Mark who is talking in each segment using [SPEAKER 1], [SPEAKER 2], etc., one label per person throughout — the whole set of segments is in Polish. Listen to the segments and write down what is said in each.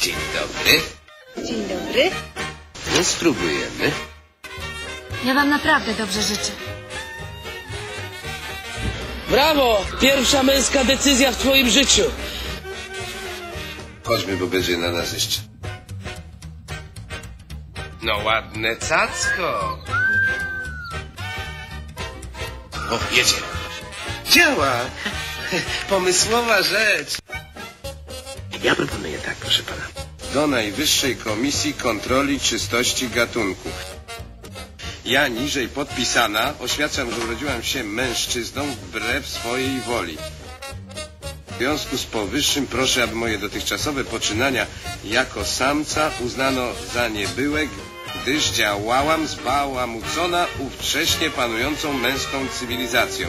[SPEAKER 1] Dzień dobry.
[SPEAKER 2] Dzień dobry.
[SPEAKER 1] No, spróbujemy.
[SPEAKER 2] Ja wam naprawdę dobrze życzę.
[SPEAKER 3] Brawo! Pierwsza męska decyzja w twoim życiu.
[SPEAKER 1] Chodźmy, bo będzie na nas jeszcze. No ładne cacko. O, jedzie. Działa. Pomysłowa rzecz. Ja proponuję tak, proszę pana. Do Najwyższej Komisji Kontroli Czystości Gatunku. Ja, niżej podpisana, oświadczam, że urodziłam się mężczyzną wbrew swojej woli. W związku z powyższym proszę, aby moje dotychczasowe poczynania jako samca uznano za niebyłe, gdyż działałam zbałamucona ówcześnie panującą męską cywilizacją.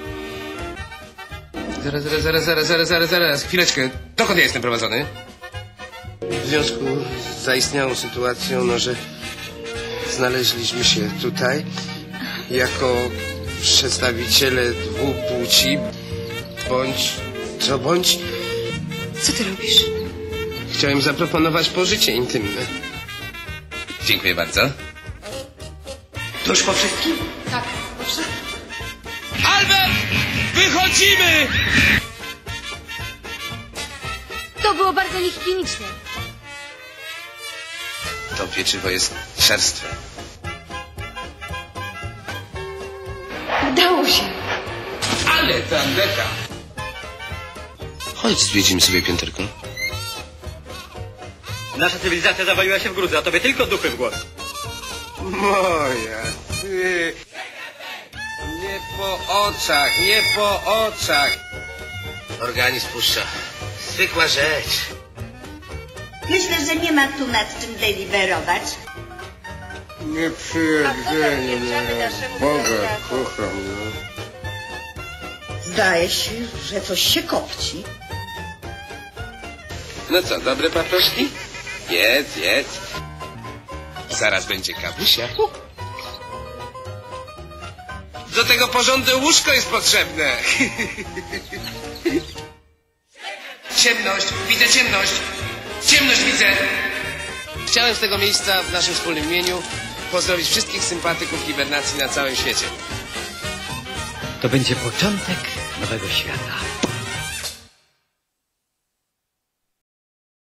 [SPEAKER 1] Zaraz, chwileczkę. Dokąd ja jestem prowadzony? W związku z zaistniałą sytuacją, no, że znaleźliśmy się tutaj jako przedstawiciele dwóch płci, bądź...
[SPEAKER 2] Co ty robisz?
[SPEAKER 1] Chciałem zaproponować pożycie intymne. Dziękuję bardzo. To już po wszystkim?
[SPEAKER 2] Tak, proszę.
[SPEAKER 3] Albert! Wychodzimy!
[SPEAKER 2] To było bardzo niehigieniczne.
[SPEAKER 1] To pieczywo jest czerstwe.
[SPEAKER 2] Udało się.
[SPEAKER 1] Ale tandeta! Chodź, zwiedzimy sobie pięterko.
[SPEAKER 4] Nasza cywilizacja zawaliła się w gruzę, a tobie tylko dupy w głowę.
[SPEAKER 1] Moja, ty... Nie po oczach, nie po oczach. Organizm puszcza. Zwykła rzecz.
[SPEAKER 5] Myślę, że nie ma tu nad czym deliberować.
[SPEAKER 1] Nie przyjedzenie, Boga kocham, no.
[SPEAKER 5] Zdaje się, że coś się kopci.
[SPEAKER 1] No co, dobre paproszki? Jedz, jedz. Zaraz będzie kawusia. Do tego porządne łóżko jest potrzebne. Ciemność, widzę ciemność. Ciemność widzę. Chciałem z tego miejsca w naszym wspólnym imieniu pozdrowić wszystkich sympatyków hibernacji na całym świecie.
[SPEAKER 4] To będzie początek nowego świata.